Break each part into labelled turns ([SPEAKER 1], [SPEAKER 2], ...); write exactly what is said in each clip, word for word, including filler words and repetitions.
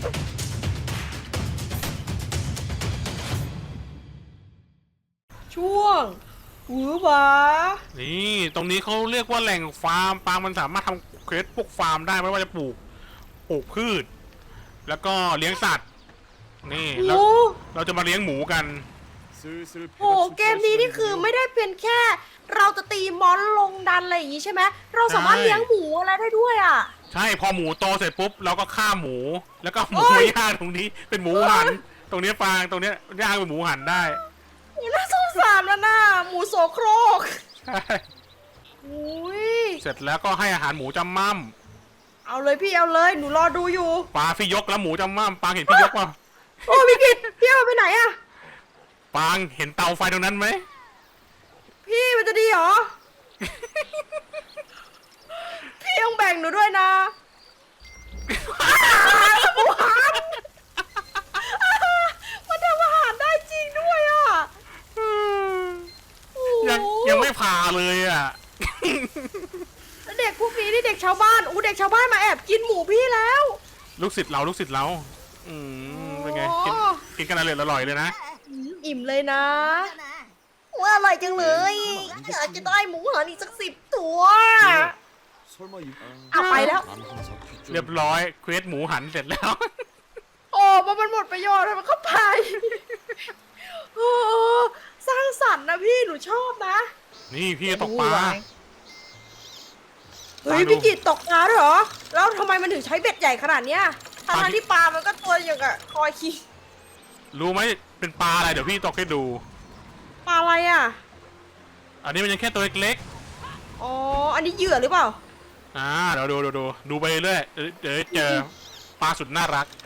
[SPEAKER 1] ช่วงหือหวา
[SPEAKER 2] นี่ตรงนี้เขาเรียกว่าแหล่งฟาร์มปางมันสามารถทำเควสพวกฟาร์มได้ไม่ว่าจะปลูกปลูกพืช แล้วก็เลี้ยงสัตว์นี่เราเราจะมาเลี้ยงหมูกัน
[SPEAKER 1] โอ้เกมนี้นี่คือไม่ได้เพียงแค่ เราจะตีมอนลงดันอะไรอย่างงี้ใช่ไหมเราสามารถเลี้ยงหมูอะไรได้ด้วยอ่ะ
[SPEAKER 2] ใช่พอหมูโตเสร็จปุ๊บเราก็ฆ่าหมู แล้วก็หมูย่างตรงนี้เป็นหมูหันตรงนี้ฟางตรงนี้ย่างเป็นหมูหันได้
[SPEAKER 1] น่าสงสารนะน่าหมูโสโครก
[SPEAKER 2] ใช่
[SPEAKER 1] อุ้ย
[SPEAKER 2] เสร็จแล้วก็ให้อาหารหมูจำม่
[SPEAKER 1] ำเอาเลยพี่เอาเลยหนูรอดูอยู่
[SPEAKER 2] ปลาพี่ยกแล้วหมูจำม่ำปลาเห็นพี่ยกป่ะ
[SPEAKER 1] โอ้พี่กิตพี่เอาไปไหนอะ
[SPEAKER 2] ปางเห็นเตาไฟตรงนั้นไหม
[SPEAKER 1] พี่มันจะดีเหรอ พี่ต้องแบ่งหนูด้วยนะหมูหันมันทำอาหารได้จริงด้วยอ่ะ
[SPEAKER 2] ยังยังไม่ผ่าเลยอ่ะ
[SPEAKER 1] เด็กพวกนี้นี่เด็กชาวบ้านอู้เด็กชาวบ้านมาแอบกินหมูพี่แล้ว
[SPEAKER 2] ลูกศิษย์เราลูกศิษย์เราอืมเป็นไงกินกินกันอร่อยอร่อยเลยนะ
[SPEAKER 1] อิ่มเลยนะว่าอร่อยจังเลยอยากจะได้หมูหันอีกสักสิบตัวเอาไปแล้ว
[SPEAKER 2] เรียบร้อยเควสหมูหันเสร็จแล้ว
[SPEAKER 1] โอ้มันหมดประโยชน์มันก็ไปโอ้สร้างสรรค์นะพี่หนูชอบนะ
[SPEAKER 2] นี่พี่ตกปลา
[SPEAKER 1] เฮ้ยพี่กิตตกปลาด้วยเหรอแล้วทำไมมันถึงใช้เบ็ดใหญ่ขนาดเนี้ยทั้งที่ปลามันก็ตัวอย่างกับคอยคี
[SPEAKER 2] รู้ไหมเป็นปลาอะไรเดี๋ยวพี่ตกให้ดู
[SPEAKER 1] ปลาอะไรอ่ะ
[SPEAKER 2] อันนี้มันยังแค่ตัวเล็ก
[SPEAKER 1] ๆอ๋ออันนี้เหยื่อหรือเปล่า
[SPEAKER 2] อ่าเดี๋ยวดูดูดูดูไปเรื่อยเดี๋ยวเจอปลาสุดน่ารัก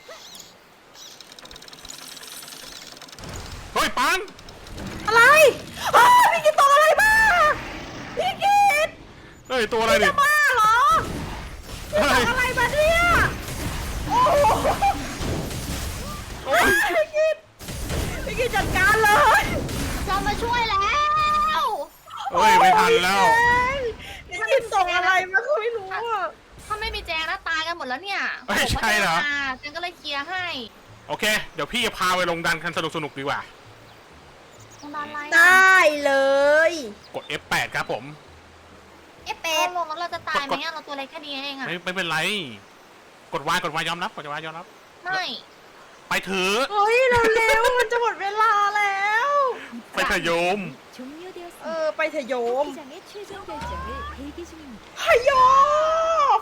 [SPEAKER 2] เฮ้ยปัง
[SPEAKER 1] อะไรอ้าวพี่กิตตกอะไรมาพี่กิต
[SPEAKER 2] เฮ้ยตัวอะไรดิ
[SPEAKER 1] จะบ้าเหรอพี่ตกอะไรมาเนี่ยโอ้โหพี่กิตพี่กิตจัดการเลย
[SPEAKER 3] เรามาช่วยแล้ว
[SPEAKER 2] เฮ้ยไม่ทันแล้ว
[SPEAKER 1] พี่กิตตกอะไรมาคือไม่รู้อ่ะ
[SPEAKER 3] ถ้าไม่มีแจงนะตายกันหมดแล้วเนี่ย
[SPEAKER 2] ไม่ใช่เหรอ
[SPEAKER 3] แจงก็เลยเคลียร์ให้
[SPEAKER 2] โอเคเดี๋ยวพี่จะพาไปลงดันกันสนุกสนุกดีกว่า
[SPEAKER 1] ได้เลย
[SPEAKER 2] กด เอฟ แปด ครับผม
[SPEAKER 3] เอฟ แปด ลงแล้วเราจะตายไหมเราตัวเล็กแค่นี้เองอะ
[SPEAKER 2] ไม่ไม่เป็นไรกดวายกดวายยอมรับกดวายยอมรับ
[SPEAKER 3] ไม่
[SPEAKER 2] ไปเถอะ
[SPEAKER 1] เฮ้ยเร็วๆมันจะหมดเวลาแล้ว
[SPEAKER 2] ไปเถอะโยม
[SPEAKER 1] เออไปเถอะโยมพยม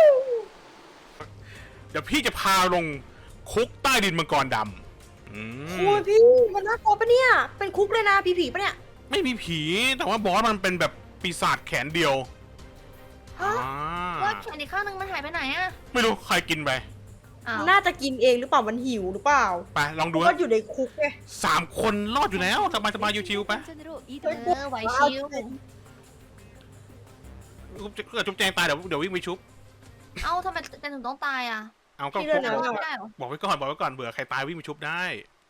[SPEAKER 2] เดี๋ยวพี่จะพาลงคุกใต้ดินมังกรดำ
[SPEAKER 1] โอ้ยพี่มันน่ากลัวปะเนี่ยเป็นคุกเลยนะผีผีปะเนี่ย
[SPEAKER 2] ไม่มีผีแต่ว่าบอสมันเป็นแบบปีศาจแขนเดียว
[SPEAKER 3] ว่าแขนอีกข้างนึงมันหายไปไหนอะ
[SPEAKER 2] ไม่รู้ใครกินไป
[SPEAKER 1] น่าจะกินเองหรือเปล่ามันหิวหรือเปล่า
[SPEAKER 2] ไปลองดู
[SPEAKER 1] ก็อยู่ในคุกไง
[SPEAKER 2] สามคนรอดอยู่แล้วสบายสบายชิวๆไป
[SPEAKER 3] เออไหวชิว
[SPEAKER 2] เกิดจุ๊บแจงตายเดี๋ยวเดี๋ยววิ่งไปชุบ
[SPEAKER 3] เอ้าทำไมแจงถึงต้องตายอ่ะ
[SPEAKER 2] เอาก็บอกไว้ก่อนบอกไว้ก่อนเบื่อใครตายวิ่งไปชุบได้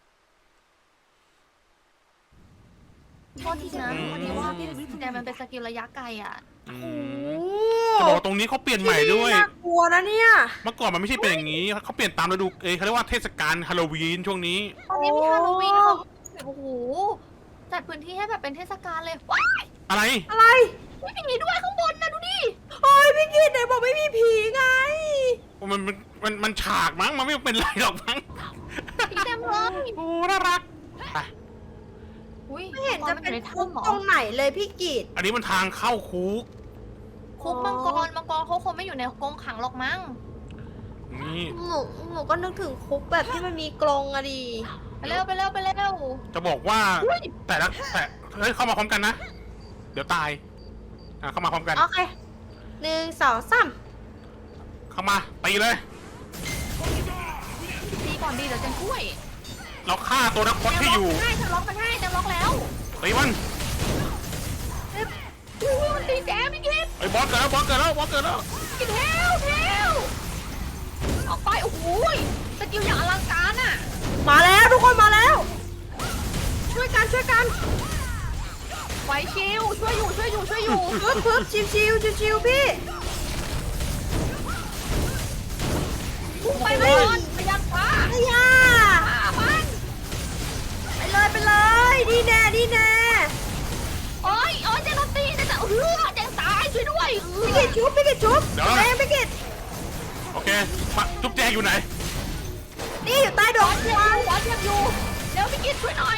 [SPEAKER 3] โทษทีนะวันนี้ว่าแต่มันเป็นสกิลระยะไกลอ่ะ
[SPEAKER 2] จะบอกตรงนี้เขาเปลี่ยนใหม่ด้วย
[SPEAKER 1] น่ากลัวนะเนี่ย
[SPEAKER 2] เมื่อก่อนมันไม่ใช่เป็นอย่างนี้เขาเปลี่ยนตามฤดูเอเขาเรียกว่าเทศกาลฮาโลวีนช่วงนี้
[SPEAKER 3] ตอนนี้มีฮาโลวีนเขาโอ้โหจัดพื้นที่ให้แบบเป็นเทศกาลเลยว้าย
[SPEAKER 1] อะไรอะไร
[SPEAKER 3] ไม่มีด้วยข้างบนนะดูดิ
[SPEAKER 1] โอ้ยพี่กิตไหนบอกไม่มีผีไง
[SPEAKER 2] มันมันมันมันฉากมั้งมันไม่เป็นไรหรอกมั้ง
[SPEAKER 3] ผีเต็มเลย
[SPEAKER 2] โอ้น่ารัก
[SPEAKER 1] ไม่เห็นจะเป็นคุกตรงไหนเลยพี่กิต
[SPEAKER 2] อันนี้มันทางเข้าคุก
[SPEAKER 3] คุกมังกรมังกรเขาคงไม่อยู่ในกรงขังหรอกมั้ง
[SPEAKER 2] นี่
[SPEAKER 1] หนูหนูก็นึกถึงคุกแบบที่มันมีกรงอะดิ
[SPEAKER 3] ไปเร็วไปเร็วไปเร็ว
[SPEAKER 2] จะบอกว่าแต่ละแต่เฮ้ยเข้ามาพร้อมกันนะเดี๋ยวตายอ่ะเข้ามาพร้อมกัน
[SPEAKER 1] โอเคหนึ่งสองสาม
[SPEAKER 2] เข้ามาตีเลย
[SPEAKER 3] ตีก่อนดีเดี๋ยวจะช่วย
[SPEAKER 2] เราฆ่าตัวนักพจน์ที่อยู่
[SPEAKER 3] ใช่จะล็อกมันให้จะล็อกแล้ว
[SPEAKER 2] ตีมัน
[SPEAKER 3] มันตีแจ๊พี่กิต
[SPEAKER 2] ไอ้บอสเกิดแล้วบอสเกิดแล้วบอสเกิดแล้ว
[SPEAKER 3] กิตเทลเทลออกไปโอ้โหสกิลอย่างอลังการอ่ะ
[SPEAKER 1] มาแล้วทุกคนมาแล้วช่วยกันช่วยกัน
[SPEAKER 3] ไหวชิวช่วยอยู่ช่วยอยู่ช่วยอยู่
[SPEAKER 1] ปึ๊บปึ๊บชิวชิวชิวชิวพี่
[SPEAKER 3] ไปก่อนไปเอ
[SPEAKER 1] พี่
[SPEAKER 3] อ
[SPEAKER 1] กิดชุบพี่กิดชุบ
[SPEAKER 2] เดี๋ยว
[SPEAKER 1] แรงพี่กิด
[SPEAKER 2] โอเคมาจุ๊บแจงอยู่ไหน
[SPEAKER 1] นี่อยู่ใต้ด
[SPEAKER 3] หั
[SPEAKER 1] อ
[SPEAKER 3] ว
[SPEAKER 1] ก
[SPEAKER 3] เทียม
[SPEAKER 1] วาง
[SPEAKER 3] หัวเทียมอยู่เร็วพี่กิตช่วยหน่อย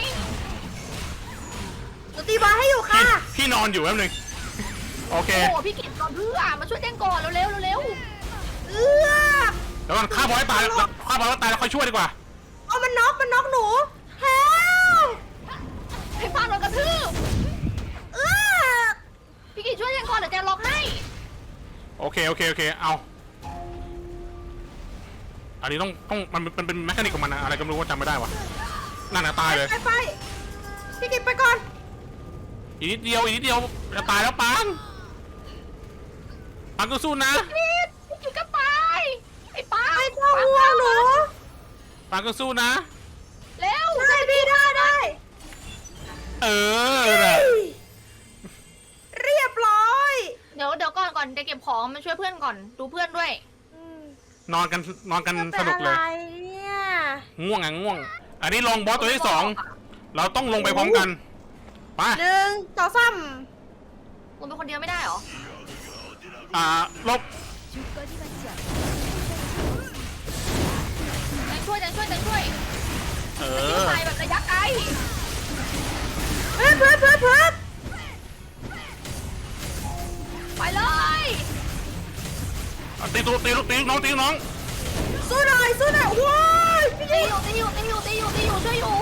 [SPEAKER 1] หนูตีบอลให้อยู่ค่ะ
[SPEAKER 2] พี่นอนอยู่แป๊บนึงโอเค
[SPEAKER 3] โอ้พี่กิตก่อนเพื่อมาช่วยแจ้งก่อนเร็วๆเร็ว
[SPEAKER 1] เอื้อ
[SPEAKER 2] แล้วมันฆ่าบอลให้ตายแล้วฆ่าบอลแล้วตายแล้วค่อยช่วยดีกว่า
[SPEAKER 1] เอามันน็อกมันน็อกหนูเฮล
[SPEAKER 3] ๆให้ฟาดโดนกระทืบ
[SPEAKER 1] เอื้อ
[SPEAKER 3] พี่กิตช่วยแจ้งก่อนเดี๋ยวแจล็อกให้
[SPEAKER 2] โอเคโอเคโอเคเอาอันนี้ต้องต้องมันมันเป็นแมคานิกของมันนะอะไรก็ไม่รู้ว่าจำไม่ได้วะนั่นน่ะตายเลย
[SPEAKER 1] ไปไปพี่กิดไปก่อน
[SPEAKER 2] อีกนิดเดียวอีกนิดเดียวจะตายแล้วปังปังก็สู้นะ
[SPEAKER 3] พี่กิตพี่กิตก็ไปไอ้ป้า
[SPEAKER 1] ไม่ต้องห่วงหนู
[SPEAKER 2] ปังก็สู้นะ
[SPEAKER 3] เร็ว
[SPEAKER 1] ได้พี่ได้ได้
[SPEAKER 2] เออน่ะ
[SPEAKER 1] เรียบร้อย
[SPEAKER 3] เดี๋ยวเดี๋ยวก่อนก่อนจะเก็บของมาช่วยเพื่อนก่อนดูเพื่อนด้วย
[SPEAKER 1] อืม
[SPEAKER 2] นอนกันนอนกัน
[SPEAKER 1] มัน
[SPEAKER 2] ส
[SPEAKER 1] เป็น
[SPEAKER 2] นุก
[SPEAKER 1] อะ
[SPEAKER 2] เล
[SPEAKER 1] ไร
[SPEAKER 2] ย
[SPEAKER 1] เนี่ย
[SPEAKER 2] ง่วงอ่ะง่วง อันนี้ลงบอสตัวที่สองเราต้องลงไปพร้อมกันไป
[SPEAKER 1] หนึ่งต่อซ้
[SPEAKER 3] ลงเป็นคนเดียวไม่ได้เหรอ
[SPEAKER 2] อ่าลบ
[SPEAKER 3] แจงช่วยแจงช่วยแจงช่วย
[SPEAKER 2] เอ
[SPEAKER 3] ยิง
[SPEAKER 2] อ
[SPEAKER 3] ใส่แบบระยะไกล
[SPEAKER 1] ำเพื่อนเพื่อนเพื่อนเพื่อน
[SPEAKER 3] ไปเลย
[SPEAKER 2] เอาตีตัวตีลูกตีลูกน้องตีลูกน้อง
[SPEAKER 1] สู้หน่อยสู้หน่อยว้ายพี่
[SPEAKER 3] ตีอยู่ตีอยู่ตีอยู่ตีอยู่ตีอยู่ช่วยอยู่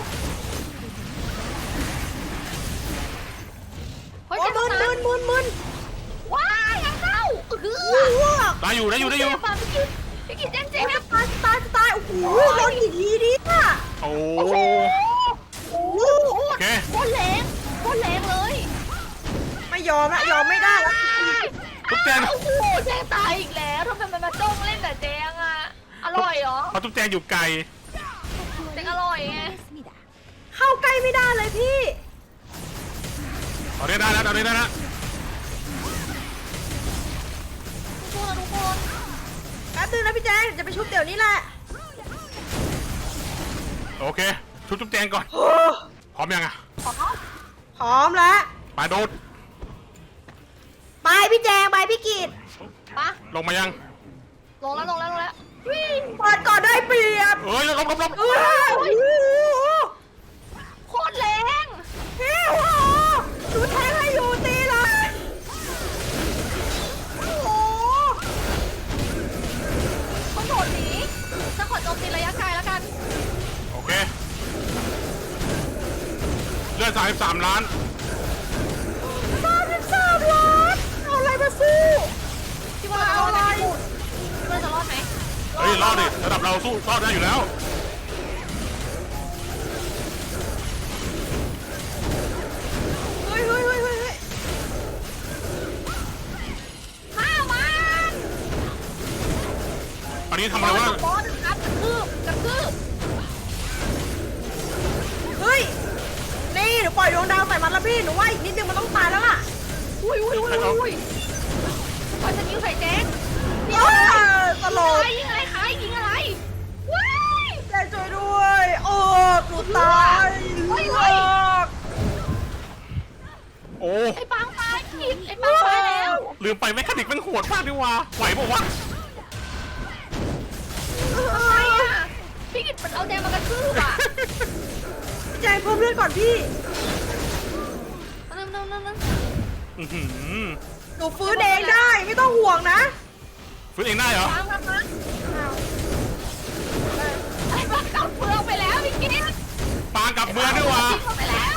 [SPEAKER 3] เฮ้ย
[SPEAKER 1] โอ้
[SPEAKER 3] เจ็บ
[SPEAKER 1] มึน
[SPEAKER 3] นะ
[SPEAKER 1] มึนมึนมึน
[SPEAKER 3] ว้ายยังเข้าเออ
[SPEAKER 1] อ้วก
[SPEAKER 2] ได้อยู่ได้อยู่ได้อยู่
[SPEAKER 3] เจ็บอะพี่กิตพี่กิตแจ้งเจ๊
[SPEAKER 1] โอ้
[SPEAKER 3] ง
[SPEAKER 1] ยตายตายตายโอ้โหโดนกี่ทีดิอ่ะ
[SPEAKER 2] โอ้
[SPEAKER 3] โอ้โห
[SPEAKER 1] โอ้โห
[SPEAKER 2] โอเค
[SPEAKER 3] โคตรแรงโคตรแรงเลย
[SPEAKER 1] ไม่ยอมละยอมไม่ได้ละ
[SPEAKER 2] ทุกแจง
[SPEAKER 3] โอ้โหแจ้งตายอีกแล้วทำไมมันมาจ้องเล่นแต่แจ้งอะอร่อยเหรอ
[SPEAKER 2] เพราะทุกแจงอยู่ไกล
[SPEAKER 3] แจ้งอร่อยไง
[SPEAKER 1] เข้าใกล้ไม่ได้เลยพี่
[SPEAKER 2] เอาได้ได้แล้วเอาได้ได้แล้ว
[SPEAKER 3] สู้นะทุกคน
[SPEAKER 1] แป๊บนึงนะพี่แจ๊คจะไปชุบเดี๋ยวนี้แหละ
[SPEAKER 2] โอเคชุบทุกแจงก่อน
[SPEAKER 1] โอ้
[SPEAKER 2] พร้อมยังอ่ะ
[SPEAKER 3] ขอเขา
[SPEAKER 1] พร้อมแล้ว
[SPEAKER 2] ไปโดด
[SPEAKER 1] ไปพี่แจงไปพี่กีด
[SPEAKER 3] ปะ
[SPEAKER 2] ลงมายัง
[SPEAKER 3] ลงแล้วลงแล้วลงแล้ววิ่ง
[SPEAKER 1] เปิดก่อนได้เปรียบ
[SPEAKER 2] เอ้ยลบลบลบ
[SPEAKER 1] เอ้ยโอ้โห
[SPEAKER 3] โคตรแรง
[SPEAKER 1] พี่โอ้โหหนูแทงให้อยู่ตีเลยโอ้โห
[SPEAKER 3] ต้องโดดหนีจะขอโจมตีระยะไกลแล้วกัน
[SPEAKER 2] โอเคเลือดสามสิบสามล้าน
[SPEAKER 1] สามสิบสามล้านเอาอะไรมาสู้
[SPEAKER 3] พี่ว่าเราจะรอดไหมพี่พูดพี่ว่าจะรอดไหม
[SPEAKER 2] เฮ้ยรอดดิระดับเราสู้รอดได้อยู่แล้ว
[SPEAKER 1] เฮ้ยเฮ้ยเฮ้ยเฮ้ยเฮ้ย
[SPEAKER 3] ฆ่ามัน
[SPEAKER 2] อันนี้ทำอะไรวะ
[SPEAKER 3] บอสครับกระทืบกระทืบ
[SPEAKER 1] เฮ้ยนี่หนูปล่อยดวงดาวใส่มันแล้วพี่หนูว่าอีกนิดนึงมันต้องตายแล้วล่ะ
[SPEAKER 3] อุ้ยอุ้ยอุ้ยอุ้ยปล่อยสกิลใส่แจ๊ก
[SPEAKER 1] เออตลก
[SPEAKER 3] ยิงอะไรคะยิงอะไรว้าย
[SPEAKER 1] แจ้ช่วยด้วยโอ้หนูตาย
[SPEAKER 3] เฮ้ย
[SPEAKER 1] เลิ
[SPEAKER 3] เฮ้ย
[SPEAKER 1] ก
[SPEAKER 2] โอ้
[SPEAKER 3] ไอ้ปังตายผิดไอ้ปังตายแล้ว
[SPEAKER 2] ลืมไปแมคานิกมันโหดมากดีว่าไหวบอกว่าวะ
[SPEAKER 3] ทำไมอ่ะพี่กิตมันเอาแดงมากระทืบอ่ะ
[SPEAKER 1] แจ้งเพิ่มเลือดก่อนพี่
[SPEAKER 3] นั่นนั่นนั่นนั่น
[SPEAKER 2] อื้อหือ
[SPEAKER 1] หนูฟื้นเองได้ไม่ต้องห่วงนะ
[SPEAKER 2] ฟื้นเองได้เหรอ
[SPEAKER 3] ปังปังปังไอ้ปังกลับเมืองไปแล้วพี่กิต
[SPEAKER 2] ปางกลับเมืองด้วยวะ
[SPEAKER 3] ทิ้งเขาไปแล้ว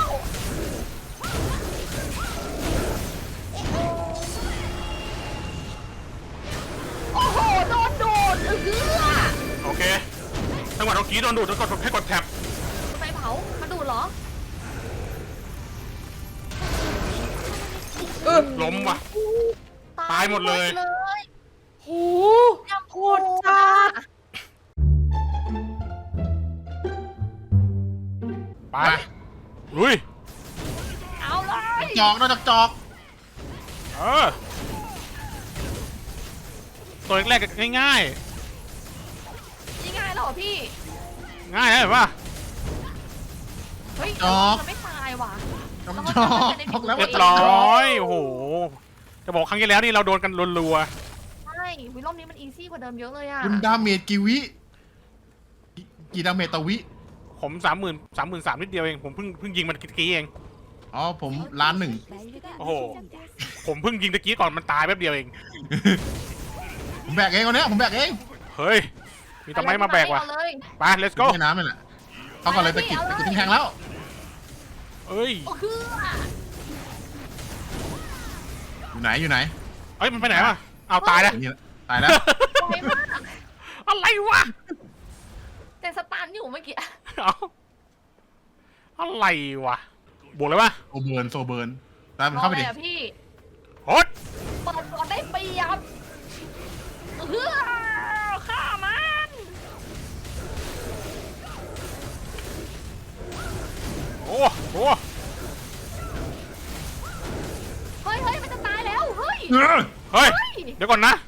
[SPEAKER 3] โอ้โหโดนโดดเออ
[SPEAKER 2] โอเคจังหวะเรากรีดโดนดูดแล้วกดให้กดแท็บ
[SPEAKER 3] ไฟเผามาดูดเหรอ
[SPEAKER 1] เออ
[SPEAKER 2] ล้มว่ะ ตายหมดเลย
[SPEAKER 3] เลย
[SPEAKER 1] โหโคตรจัด
[SPEAKER 2] ไปลุย
[SPEAKER 3] เอาเลย
[SPEAKER 2] จอกนอกจากจอกเออตัวแรกๆง่ายง่าย
[SPEAKER 3] ยังไงเหรอพี่
[SPEAKER 2] ๆง่ายนะเห็นป่ะ
[SPEAKER 3] เฮ้ย
[SPEAKER 4] จอก
[SPEAKER 3] มันไม่ตายว่ะ
[SPEAKER 4] จอก
[SPEAKER 3] แล้ว
[SPEAKER 4] จอก
[SPEAKER 3] มันจะได้
[SPEAKER 4] บอกแล้ว
[SPEAKER 2] เรี
[SPEAKER 4] ว่า
[SPEAKER 2] ยบร้อยโอ้โหจะบอกครั้งที่แล้วนี่เราโดนกันรัว
[SPEAKER 3] ใช่วิรอบนี้มันอีซี่กว่าเดิมเยอะเลยอะ
[SPEAKER 4] คุณดาเมจกี่วิกี่กี่ดาเมจต่อวิ
[SPEAKER 2] ๆผมสามหมื่นสามหมื่นสามนิดเดียวเองผมเพิ่งเพิ่งยิงมันตะกี้เอง
[SPEAKER 4] อ๋อผมล้านหนึ่ง
[SPEAKER 2] โอ้โห ผมเพิ่งยิงตะกี้ก่อนมันตายแป๊บเดียวเอง
[SPEAKER 4] ผมแบกเองวันเนี้ยผมแบกเอง
[SPEAKER 2] เฮ้ยมีทำไมมาแบกวะ
[SPEAKER 3] เอาเลย
[SPEAKER 2] ไป let's go
[SPEAKER 4] แม่น้ำนี่แหละเขาก่อนเลยตะกิด
[SPEAKER 3] เอาเลย
[SPEAKER 4] ตะกิดแทงแล้ว
[SPEAKER 2] เอ้ย
[SPEAKER 3] โอ้คือ
[SPEAKER 4] อยู่ไหนอยู่ไหน
[SPEAKER 2] เอ้ยมันไปไหนวะเอาตายแล้ว
[SPEAKER 4] นี่แหละตายแล้ว
[SPEAKER 3] ไวมาก
[SPEAKER 2] อะไรวะ
[SPEAKER 3] แต่สตันอยู่เมื่อกี้
[SPEAKER 2] เอาอะไรวะบวกเลยวะ
[SPEAKER 4] โซเบิร์นโซเบิร์นตามมันเข้าไปดิ
[SPEAKER 3] รอลยอะพี่
[SPEAKER 2] โฮด
[SPEAKER 3] เปิดก่อนได้เปรียบเฮ้อฆ่ามัน
[SPEAKER 2] โอ้โห
[SPEAKER 3] เฮ้ยเฮ้ยมันจะตายแล้วเฮ้ย
[SPEAKER 4] เออ
[SPEAKER 2] เฮ้ย
[SPEAKER 3] เฮ้ย
[SPEAKER 2] เดี๋ยวก่อนนะ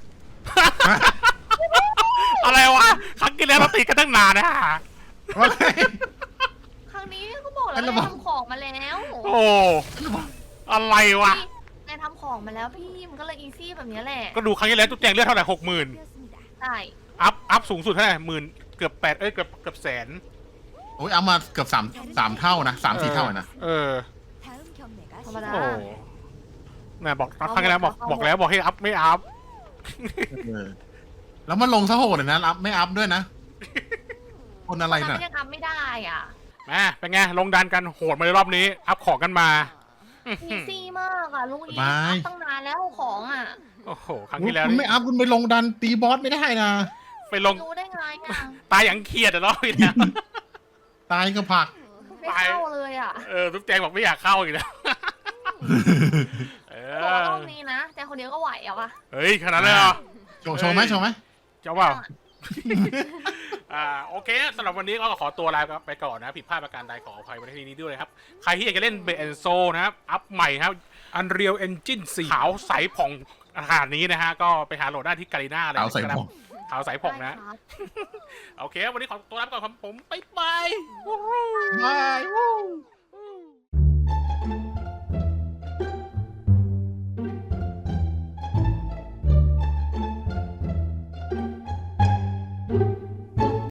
[SPEAKER 2] อะไรวะ ครั้งที่แล้วเราตีกันตั้งนานนะฮะ
[SPEAKER 4] ว่าไง
[SPEAKER 3] ครั้งนี้ก็บอกแล้ว
[SPEAKER 4] ไอ้ระ
[SPEAKER 3] นาย
[SPEAKER 4] บบ
[SPEAKER 3] ทำของมาแล้ว
[SPEAKER 2] โอ้ อะไรวะ
[SPEAKER 3] นายทำของมาแล้วพี่มันก็เลยอีซี่แบบนี้แหละ
[SPEAKER 2] ก็ดูครั้งที่แล้วตุ๊กแจงเลือดเท่าไหร่หกหมื่น
[SPEAKER 3] ใช่
[SPEAKER 2] อัพ อัพสูงสุดเท่าไหร่หมื่นเกือบแปดเอ้ย เกือบเกือบแสน
[SPEAKER 4] โอ้ยเอามาเกือบสามสามเท่านะสามสี่เท่าอะนะ
[SPEAKER 2] เออ
[SPEAKER 3] ธรรมดา
[SPEAKER 2] โอ้แม่บอกครั้งที่แล้วบอกบอกแล้วบอกให้อัพไม่อัพ
[SPEAKER 4] เออแล้วมันลงซะโหดเลยนะอัพไม่อัพด้วยนะ คนอะไร
[SPEAKER 3] ทำ
[SPEAKER 4] น่ะ
[SPEAKER 3] มันยังทำไม่ได้อ่ะ
[SPEAKER 2] แม่เป็นไง ลงดันกันโหดมาในรอบนี้ อัพของกันมา
[SPEAKER 3] อีซี่มากอ่ะลุงอี
[SPEAKER 4] บาย
[SPEAKER 3] อัพตั้งนานแล้วของอ่ะ
[SPEAKER 2] โอ้โห ครั้งที่แล้ว
[SPEAKER 4] คุณ
[SPEAKER 2] นี่
[SPEAKER 4] ไม่อัพคุณไปลงดันตีบอสไม่ได้นะ
[SPEAKER 2] ไปลง
[SPEAKER 3] รู้ได้ไงอ่ะ
[SPEAKER 2] ตายอย่างเครียดอะรอบนี้เนี่ย
[SPEAKER 4] ตายก็ผัก
[SPEAKER 3] ไม่เข้าเลยอ่ะ
[SPEAKER 2] เออทุกแจงบอกไม่อยากเข้าอีกแล้ว เอ
[SPEAKER 3] บอกว่า
[SPEAKER 2] อ
[SPEAKER 3] รอบนี้นะแต่คนเดียวก็ไหวอ่ะวะ
[SPEAKER 2] เฮ้ยขนาดนั้นเลยเหรอ
[SPEAKER 4] โชว์โชว์ไหมโชว์ไหม
[SPEAKER 2] เจ้าเปล่า อ่าโอเคสำหรับวันนี้ก็ขอตัวลาไปก่อนนะผิดพลาดประการใดขออภัยไว้ในที่นี้ด้วยนะครับ ใครที่อยากจะเล่นเบนโซนะครับ อัพใหม่ครับ Unreal Engine สี่ขาวใสผ่องขนาดนี้นะฮะ ก็ไปหาโหลดได้ที่การีน่าเลย
[SPEAKER 4] เอาใส่
[SPEAKER 2] นะครับ
[SPEAKER 4] ผม
[SPEAKER 2] ขาวใสผ่องนะ
[SPEAKER 3] ได้ครับ
[SPEAKER 2] โอเค วันนี้ขอตัวลาไปก่อนครับผมบ๊ายบาย
[SPEAKER 4] บาย